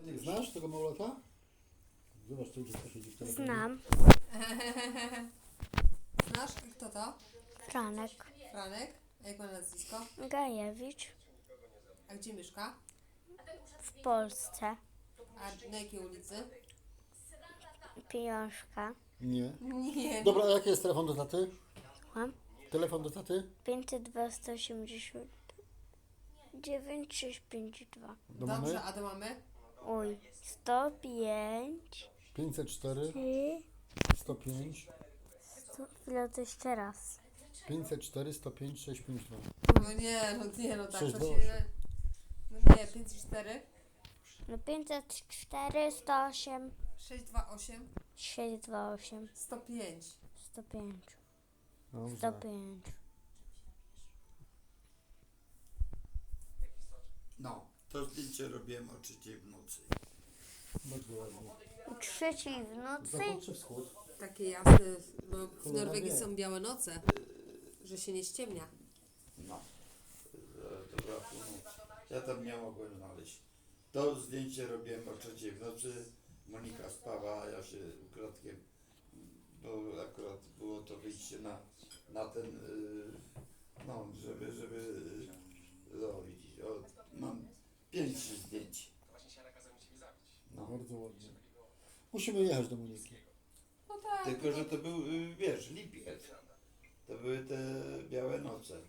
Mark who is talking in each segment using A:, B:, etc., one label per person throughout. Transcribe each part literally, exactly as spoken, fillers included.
A: Znasz tego małolata? Zobacz, tu dziecko siedzi w telefonie.
B: Znam.
C: Znasz? I kto to?
B: Franek
C: Franek? A jak ma nazwisko?
B: Gajewicz
C: A gdzie mieszka?
B: w Polsce.
C: A na jakiej ulicy?
B: Pieniążka.
A: Nie.
C: Nie.
A: Dobra, a jaki jest telefon do taty?
B: Mam
A: Telefon do taty?
B: pięćset dwa, sto osiemdziesiąt dziewięć, sześć pięć dwa.
A: Do
C: Dobrze,
A: mamy?
C: a do mamy?
B: Oj, sto pięć.
A: pięćset cztery,
B: Trzy.
A: sto pięć,
B: sto, chwilę, to jeszcze raz.
A: pięćset cztery, sto pięć, sześć pięć dwa.
C: No nie, no nie, no tak
A: sześć
C: to
A: dwa
C: się...
A: osiem.
C: No nie, pięćset cztery,
B: No pięćset cztery, sto osiem,
C: sześć dwa osiem,
B: sześć dwa osiem,
C: sto pięć.
B: sto pięć. sto
A: Dobrze.
B: pięć.
D: No, to zdjęcie robiłem o trzeciej w nocy.
A: Bardzo ładnie.
B: O trzeciej w nocy?
A: Zachód czy wschód?
C: Takie jasne, bo w
A: Cholera
C: Norwegii
A: wie.
C: są białe noce, że się nie ściemnia.
D: No, e, dobra, no, ja tam nie mogłem znaleźć. To zdjęcie robiłem o trzeciej w nocy. Monika spała, a ja się ukradkiem, bo akurat było to wyjście na, na ten, y, no, żeby, żeby, y, no widzisz, o, mam pięć zdjęć. No.
A: Bardzo ładnie. Musimy jechać do Moniki.
C: No tak.
D: Tylko, że to był, y, wiesz, lipiec. To były te białe noce.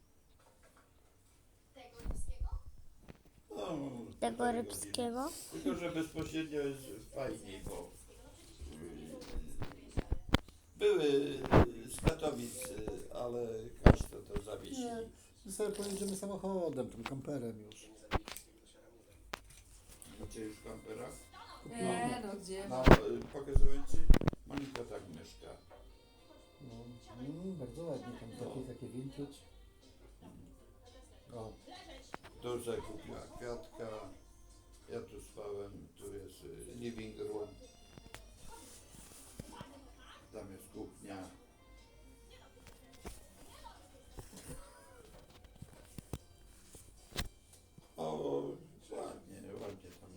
D: No,
B: Tego
D: półtorej
B: rybskiego?
D: godziny. Tylko, że bezpośrednio jest fajniej, bo y, były y, z Katowic, y, ale każdy to zawiesili.
A: Nie, my sobie pojedziemy samochodem, tym kamperem już.
D: Macie już kampera?
C: Nie, no gdzie?
D: No, y, pokazuję Ci, Monika tak mieszka.
A: No, mm, bardzo ładnie, tam takie, takie vintage. O,
D: Tu sobie kupiła kwiatka. Ja tu spałem, tu jest y, living room. Tam jest kuchnia. O, ładnie, ładnie tam.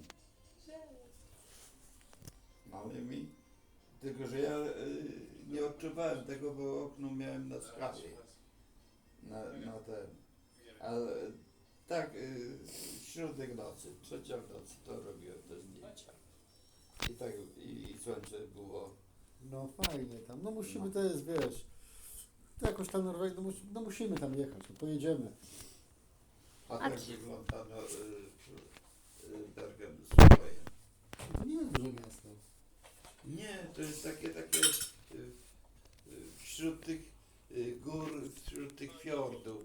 D: Mały mi. Tylko, że ja y, nie odczuwałem tego, bo okno miałem na skali. Na, na ten. Ale tak, y, środek nocy, trzecia w nocy to robiłem te zdjęcia. I tak, i, i słońce było.
A: no fajnie tam. No musimy,
D: No.
A: to jest, wiesz, to jakoś tam Norwegia, no, mus, no musimy tam jechać, no pojedziemy.
D: A
B: A
D: tak
B: gdzie-
D: wygląda no, y, y, Bergen swoje.
A: To nie jest duże miasto.
D: Nie, to jest takie, takie y, y, wśród tych y, gór, wśród tych fiordów.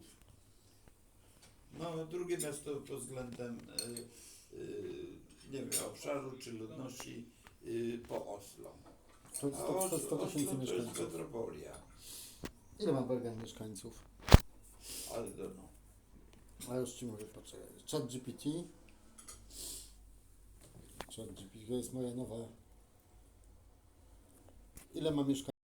D: No, drugie miasto pod względem y, y, nie wiem, obszaru czy ludności y, po Oslo.
A: sto,
D: A
A: sto, sto, sto
D: Oslo
A: tysięcy
D: to jest
A: mieszkańców.
D: metropolia.
A: Ile ma Bergen mieszkańców?
D: Ale to no.
A: A już Ci mówię, poczekaj. Chat G P T. Chat G P T to jest moja nowa. Ile ma mieszkańców?